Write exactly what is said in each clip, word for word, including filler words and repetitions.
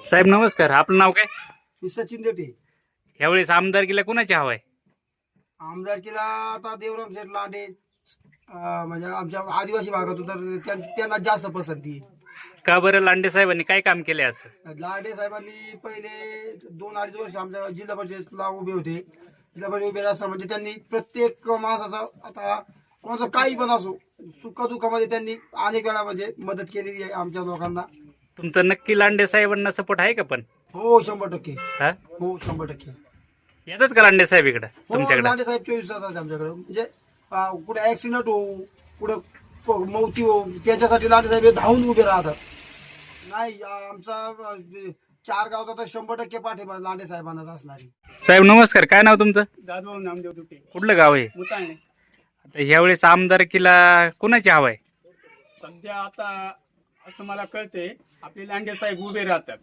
साहेब नमस्कार, आपलं नाव काय? मी सचिन देटे. यावेळेस आमदारकीला कुणाची हवा आहे? आमदारकीला आता देवराम शेठ लांडे अं, म्हणजे आमच्या आदिवासी भागातून तर त्यां- त्यांना जास्त पसंती आहे. का बरं? लांडे साहेबांनी काय काम केले असं? लांडे साहेबांनी पहिले दोन अडीच वर्ष आमच्या जिल्हा परिषदेला उभे होते. जिल्हा परिषद उभे असताना म्हणजे त्यांनी प्रत्येक माणसाचा आता कोणाचं काही पण असो सुखदुःखामध्ये त्यांनी अनेक वेळा म्हणजे मदत केलेली आहे आमच्या लोकांना. तुमचा नक्की लांडे साहेबांना सपोर्ट आहे का? पण हो शंभर टक्के. हा हो शंभर टक्के. येतात का लांडे साहेब इकडे हो तुमच्याकडे? लांडे साहेब चोवीस तास असतात आमच्याकडे. म्हणजे अं, कुठे ऍक्सिडेंट हो कुठं क- मौती हो त्याच्यासाठी लांडे साहेब हे धावून उभे राहतात. नाही अं, आमचा अं, चार गावचा तर शंभर टक्के पाठिंबा लांडे साहेबांनाच असणार आहे. साहेब नमस्कार, काय नाव तुमचं? दादभाऊ नामदेव दुटे कुठलं गाव आहे? मुताळणे. आता यावेळेस आमदारकीला कुणाची हवा आहे? सध्या आता असं मला कळतंय आपले लांडे साहेब उभे राहतात.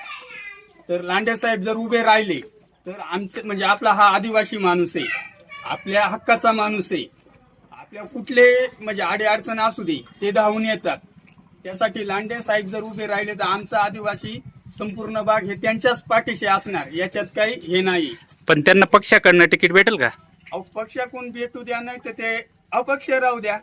तर लांडे साहेब जर उभे राहिले तर आमचे म्हणजे आपला हा आदिवासी माणूस आहे, आपल्या हक्काचा माणूस आहे. आपल्या कुठले म्हणजे आडे अडचण असू दे ते धावून येतात. त्यासाठी लांडे साहेब जर उभे राहिले तर आमचा आदिवासी संपूर्ण भाग हे त्यांच्याच पाठीशी असणार, याच्यात काही हे नाही. पण त्यांना पक्षाकडनं तिकीट भेटेल का? अहो पक्ष कोण भेटू द्या, नाही तर ते अपक्ष राहू द्या.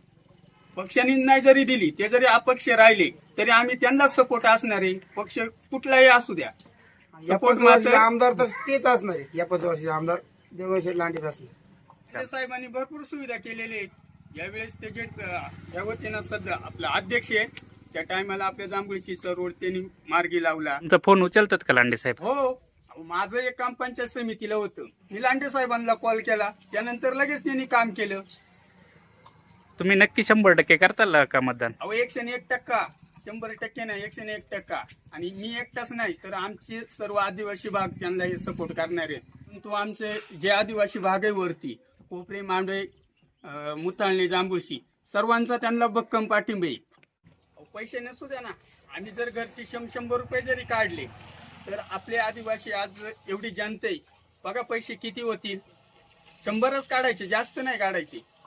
पक्षाने नाही जरी दिली ते जरी अपक्ष राहिले तरी आम्ही त्यांनाच सपोर्ट असणार आहे. पक्ष कुठलाही असू द्या. या सपोर्ट पाच वर्षाचे मात्र आमदार तर तेच असणार आहे. या पाच वर्षाचे आमदार देवराम शेठ लांडेच असणार. लांडे साहेबांनी भरपूर सुविधा केलेल्या आहेत. यावेळेस ते जे अं, या वतीनं सध्या आपला अध्यक्ष आहे त्या टायमाला आपल्या जांभूळशीचा रोड त्यांनी मार्गी लावला. तुमचा फोन उचलतात का लांडे साहेब? हो अहो, माझं एक काम पंचायत समितीला होतं. मी लांडे साहेबांना कॉल केला, त्यानंतर लगेच त्यांनी काम केलं. तुम्ही नक्की शंभर टक्के करताल का मतदान? अहो एकशे एक टक्का, शंभर टक्के नाही, एकशे एक टक्का. आणि मी एकटाच नाही तर आमचे सर्व आदिवासी भाग त्यांना हे सपोर्ट करणार आहेत. परंतु आमचे जे आदिवासी भाग आहे वरती कोपरे, मांडवे, अं, मुताळणे, जांभूळशी सर्वांचा त्यांना भक्कम पाठिंबा आहे. अहो, पैसे नसू द्या ना, आम्ही जर घरचे शं शंभर रुपये जरी काढले तर आपले आदिवासी आज एवढी जनता आहे बघा पैसे किती होतील. शंभरच काढायचे, जास्त नाही काढायचे.